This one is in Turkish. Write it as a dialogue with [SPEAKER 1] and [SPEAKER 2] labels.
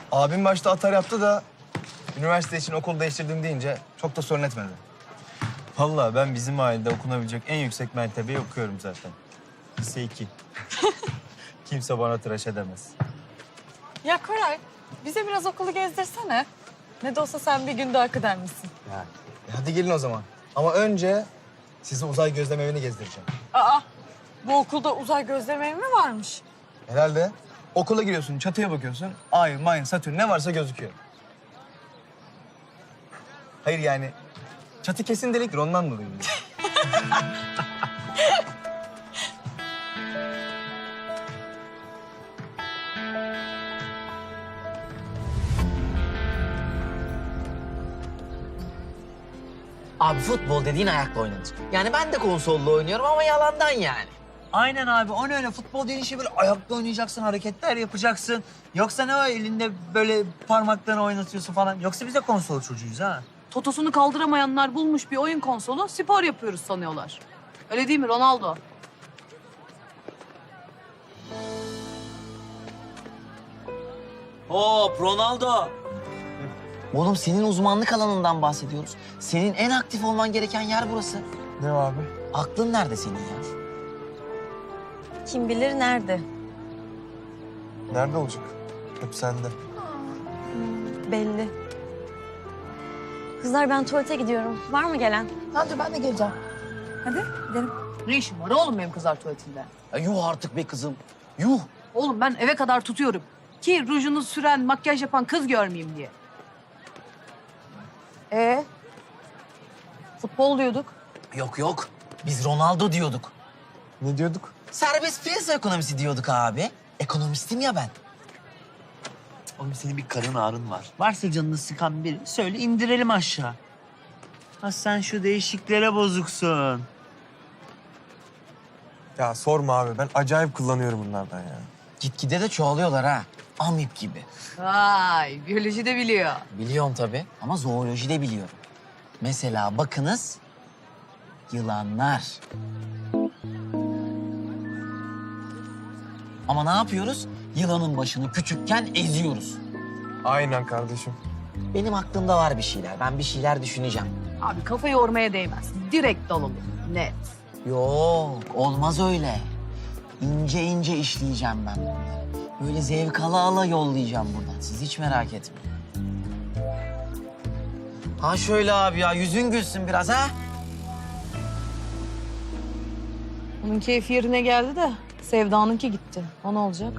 [SPEAKER 1] Abim başta atar yaptı da üniversite için okul değiştirdim deyince çok da sorun etmedi.
[SPEAKER 2] Vallahi ben bizim ailede okunabilecek en yüksek mertebeyi okuyorum zaten. Lise 2. Kimse bana tıraş edemez.
[SPEAKER 3] Ya Koray, bize biraz okulu gezdirsene. Ne de olsa sen bir günde hak eder misin?
[SPEAKER 1] Hadi gelin o zaman. Ama önce sizi uzay gözlem evini gezdireceğim.
[SPEAKER 3] Aa, bu okulda uzay gözlem evi mi varmış?
[SPEAKER 1] Herhalde. Okula giriyorsun, çatıya bakıyorsun. Ay, Mayın, Satürn ne varsa gözüküyor. Hayır yani çatı kesin deliktir ondan dolayı.
[SPEAKER 4] Abi futbol dediğin ayakla oynanır. Yani ben de konsolla oynuyorum ama yalandan yani.
[SPEAKER 5] Aynen abi. O ne öyle? Futbol dediğin şey böyle ayakla oynayacaksın, hareketler yapacaksın. Yoksa ne o elinde böyle parmaklarını oynatıyorsun falan. Yoksa biz de konsol çocuğuyuz ha.
[SPEAKER 6] Totosunu kaldıramayanlar bulmuş bir oyun konsolu, spor yapıyoruz sanıyorlar. Öyle değil mi Ronaldo?
[SPEAKER 4] Hop Ronaldo. Oğlum senin uzmanlık alanından bahsediyoruz. Senin en aktif olman gereken yer burası.
[SPEAKER 1] Ne abi?
[SPEAKER 4] Aklın nerede senin ya?
[SPEAKER 7] Kim bilir nerede?
[SPEAKER 1] Nerede olacak? Hep sende.
[SPEAKER 7] Belli. Kızlar ben tuvalete gidiyorum. Var mı gelen?
[SPEAKER 4] Hadi ben de geleceğim.
[SPEAKER 6] Hadi gidelim. Ne işin var oğlum benim kızlar tuvaletinde?
[SPEAKER 4] Ya yuh artık be kızım. Yuh.
[SPEAKER 6] Oğlum ben eve kadar tutuyorum. Ki rujunu süren, makyaj yapan kız görmeyeyim diye. Futbol diyorduk.
[SPEAKER 4] Yok yok. Biz Ronaldo diyorduk.
[SPEAKER 1] Ne diyorduk?
[SPEAKER 4] Serbest piyasa ekonomisi diyorduk abi. Ekonomistim ya ben.
[SPEAKER 5] Oğlum senin bir karın ağrın var. Varsa canını sıkan biri söyle indirelim aşağı. Ha sen şu değişiklere bozuksun.
[SPEAKER 8] Ya sorma abi. Ben acayip kullanıyorum bunlardan ya.
[SPEAKER 4] Gitgide de çoğalıyorlar ha. Amip gibi.
[SPEAKER 6] Vay, biyoloji de biliyor.
[SPEAKER 4] Biliyorum tabii ama zooloji de biliyorum. Mesela bakınız yılanlar. Ama ne yapıyoruz? Yılanın başını küçükken eziyoruz.
[SPEAKER 8] Aynen kardeşim.
[SPEAKER 4] Benim aklımda var bir şeyler. Ben bir şeyler düşüneceğim.
[SPEAKER 6] Abi kafayı yormaya değmez. Direkt dalalım. Net.
[SPEAKER 4] Yok, olmaz öyle. İnce ince işleyeceğim ben bunları. Böyle zevk ala ala yollayacağım buradan. Siz hiç merak etmeyin. Ha şöyle abi ya, yüzün gülsün biraz ha.
[SPEAKER 6] Onun keyfi yerine geldi de Sevda'nınki gitti. O ne olacak?